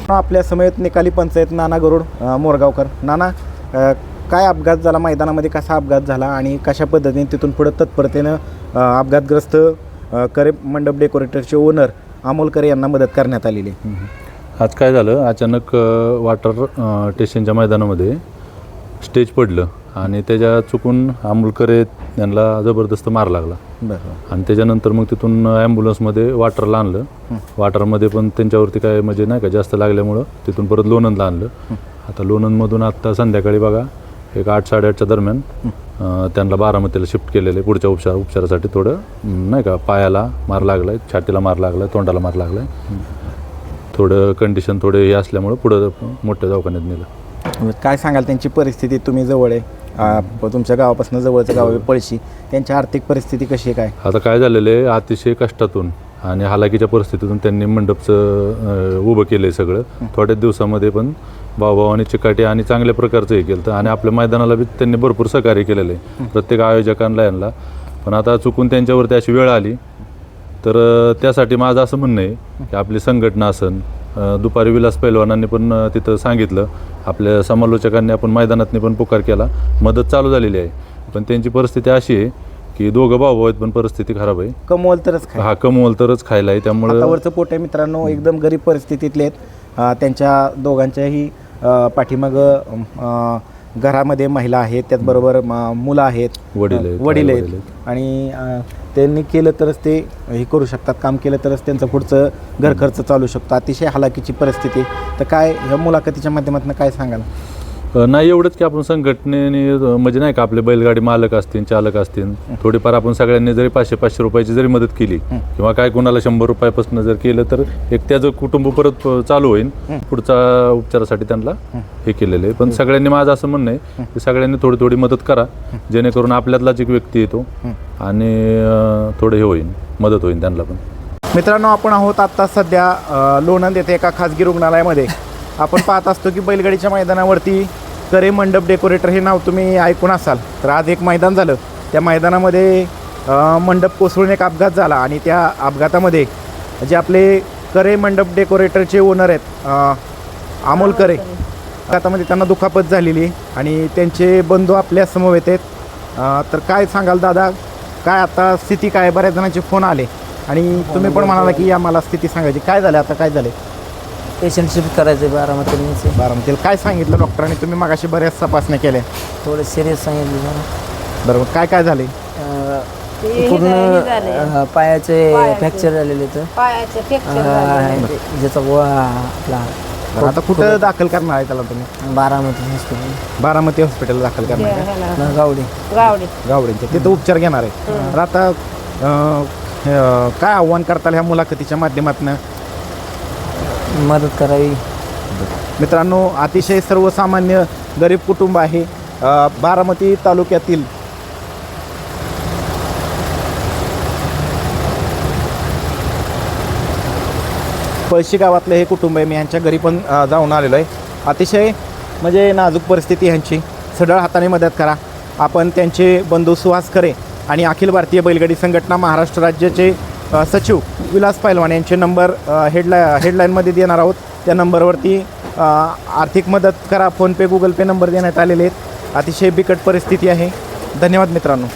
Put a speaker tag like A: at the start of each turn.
A: आपल्या समेत निकाली पंचायत नाना गरुड मोरगावकर. नाना, काय अपघात झाला मैदानामध्ये, कसा अपघात झाला आणि कशा पद्धतीने तिथून पुढे तत्परतेनं अपघातग्रस्त करे मंडप डेकोरेटरचे ओनर अमोल करे यांना मदत करण्यात आलेली?
B: आज काय झालं, अचानक वॉटर स्टेशनच्या मैदानामध्ये स्टेज पडलं आणि त्याच्या चुकून अमोल करे यांना जबरदस्त मार लागला.
A: बरं.
B: आणि त्याच्यानंतर मग तिथून ॲम्ब्युलन्समध्ये वाटरला आणलं. वाटरमध्ये पण त्यांच्यावरती काय म्हणजे नाही का जास्त लागल्यामुळं तिथून परत लोणंदला आणलं. आता लोणंदमधून आत्ता संध्याकाळी बघा एक 8-8:30च्या दरम्यान त्यांना बारामतीला शिफ्ट केलेलं आहे पुढच्या उपचारासाठी. थोडं नाही का पायाला मार लागला आहे, छातीला मार लागला आहे, तोंडाला मार लागला आहे. थोडं कंडिशन थोडे हे असल्यामुळं पुढं मोठ्या दवाखान्यात नेलं.
A: काय सांगाल त्यांची परिस्थिती? तुम्ही जवळ आहे, तुमच्या गावापासून जवळचं गाव आहे पळशी, त्यांची आर्थिक परिस्थिती कशी आहे काय?
B: आता काय झालेलं आहे, अतिशय कष्टातून आणि हालाकीच्या परिस्थितीतून त्यांनी मंडपचं उभं केलं आहे सगळं. थोड्याच दिवसामध्ये पण भाऊभावानी चिकाटी आणि चांगल्या प्रकारचं हे केलं आणि आपल्या मैदानाला बी त्यांनी भरपूर सहकार्य केलेलं आहे प्रत्येक आयोजकांना यांना. पण आता चुकून त्यांच्यावरती अशी वेळ आली तर त्यासाठी माझं असं म्हणणं आहे की आपली संघटना असन, दुपारी विलास पैलवानांनी पण तिथं सांगितलं, आपल्या समालोचकांनी आपण मैदानातनी पण पुकार केला, मदत चालू झालेली आहे. पण त्यांची परिस्थिती अशी आहे की दोघं भाऊ आहेत पण परिस्थिती खराब आहे.
A: कमवल तरच खाय.
B: हा, कमवल तरच खायला आहे. त्यामुळे
A: वरचं पोट आहे मित्रांनो, एकदम गरीब परिस्थितीतले आहेत. त्यांच्या दोघांच्याही पाठीमागं घरामध्ये महिला आहेत, त्याचबरोबर मुलं आहेत, वडील आहेत आणि त्यांनी केलं तरच ते हे करू शकतात, काम केलं तरच त्यांचं पुढचं घर खर्च चालू शकतो. अतिशय हालाकीची परिस्थिती. तर काय ह्या मुलाखतीच्या माध्यमातून काय सांगाल?
B: नाही एवढंच की आपण संघटनेने म्हणजे नाही का आपले बैलगाडी मालक असतील, चालक असतील, थोडीफार आपण सगळ्यांनी जरी 500-500 रुपयाची जरी मदत केली किंवा काय कोणाला 100 रुपयापासून जर केलं तर एक त्याचं कुटुंब परत चालू होईल. पुढचा उपचारासाठी त्यांना हे केलेलं आहे. पण सगळ्यांनी माझं असं म्हणणं आहे की सगळ्यांनी थोडी थोडी मदत करा, जेणेकरून आपल्यातलाच एक व्यक्ती येतो आणि थोडं हे होईल, मदत होईल त्यांना पण.
A: मित्रांनो, आपण आहोत आत्ता सध्या लोणंद येथे एका खाजगी रुग्णालयामध्ये. आपण पाहत असतो की बैलगाडीच्या मैदानावरती करे मंडप डेकोरेटर हे नाव तुम्ही ऐकून असाल. तर आज एक मैदान झालं, त्या मैदानामध्ये मंडप कोसळून एक अपघात झाला आणि त्या अपघातामध्ये जे आपले करे मंडप डेकोरेटरचे ओनर आहेत अमोल करे, अपघातामध्ये त्यांना दुखापत झालेली आणि त्यांचे बंधू आपल्या समवेत आहेत. तर काय सांगाल दादा, काय आता स्थिती काय? बऱ्याच जणांचे फोन आले आणि तुम्ही पण म्हणाला की आम्हाला स्थिती सांगायची. काय झालं आता, काय झालं?
C: पेशंट शिफ्ट करायचं बारामतीला.
A: काय सांगितलं डॉक्टरांनी? तुम्ही मगाशी बऱ्याच तपासण्या केल्या,
C: थोडं सिरियस सांगितलं.
A: बरोबर. काय काय झाले?
C: पूर्ण पायाचे फ्रॅक्चर झालेले तर ज्याचा आपला.
A: आता कुठं दाखल करणार आहे त्याला तुम्ही? बारामती हॉस्पिटल दाखल करणार आहे? गावडींच्या तिथं उपचार घेणार आहे. तर आता काय आव्हान करताल ह्या मुलाखतीच्या माध्यमातून?
C: मदत करावी.
A: मित्रांनो, अतिशय सर्वसामान्य गरीब कुटुंब आहे. बारामती तालुक्यातील पळशी गावातलं हे कुटुंब आहे. मी ह्यांच्या घरी पण जाऊन आलेलो आहे. अतिशय म्हणजे नाजूक परिस्थिती ह्यांची. सढळ हाताने मदत करा. आपण त्यांचे बंधू सुहास करे आणि अखिल भारतीय बैलगाडी संघटना महाराष्ट्र राज्याचे सचिव विलास पैलवान यांचे नंबर हेडलाईनमध्ये देणार आहोत. त्या नंबरवरती आर्थिक मदत करा. फोनपे, गुगल पे नंबर देण्यात आलेले आहेत. अतिशय बिकट परिस्थिती आहे. धन्यवाद मित्रांनो.